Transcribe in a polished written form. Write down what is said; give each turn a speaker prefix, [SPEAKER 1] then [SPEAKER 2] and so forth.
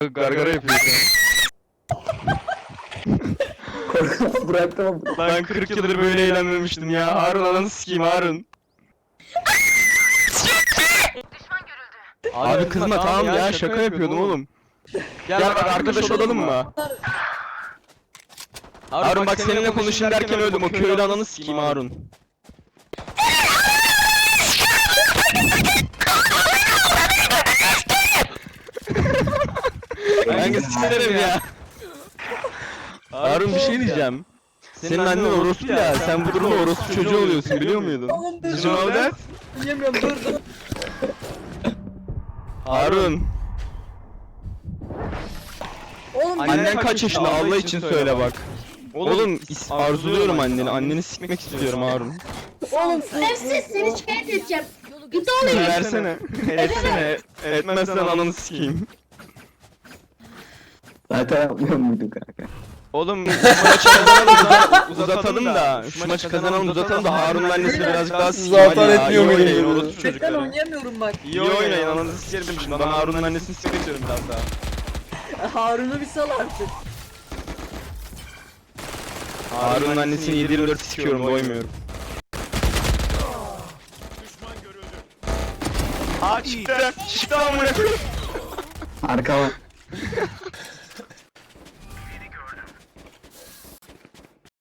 [SPEAKER 1] Gargara yapıyor şu
[SPEAKER 2] Korkma bıraktım ama.
[SPEAKER 1] an. Ben 40 yıldır böyle eğlenmemiştim ya. Harun ananı sikeyim Harun. Abi kızma tamam ya şaka yapıyordum oğlum. Gel bak arkadaş olalım mı? Harun bak seninle konuşayım derken öldüm. O köylü ananı sikeyim Harun. Ben sikerim ya. Harun bir şey diyeceğim. Senin annen orospu ya. Sen bu durumda orospu çocuğu oluyorsun biliyor muydun? Did you know that?
[SPEAKER 2] Yemiyorum dur.
[SPEAKER 1] Harun.
[SPEAKER 2] Oğlum
[SPEAKER 1] Annen kaç yaşında Allah için söyle bak. Oğlum arzuluyorum anneni. Anneni sikmek istiyorum Harun.
[SPEAKER 2] oğlum
[SPEAKER 3] Nefsiz seni şikayet edeceğim. Git oğlum.
[SPEAKER 1] Versene. Etsene. Etmezsen ananı sikeyim.
[SPEAKER 2] zaten yapmıyor muydun kanka?
[SPEAKER 1] Oğlum şu maçı kazanalım uzatalım da. Şu maçı kazanalım uzatalım da Harun'un annesi birazcık daha sikeyim.
[SPEAKER 4] Zaten etmiyor
[SPEAKER 1] İyi oynayın
[SPEAKER 4] muyum?
[SPEAKER 1] orospu
[SPEAKER 2] Cidden
[SPEAKER 1] çocukları.
[SPEAKER 2] oynayamıyorum bak.
[SPEAKER 1] İyi oynayın ananı sikerim şimdi. Ben Harun'un annesini sikmek istiyorum biraz daha.
[SPEAKER 2] Harun'u bir sal artık.
[SPEAKER 1] Harun'un annesini 7/24 sikiyorum doymuyorum. Aa çıktı. Çıktı amına koyayım.
[SPEAKER 2] Arka var.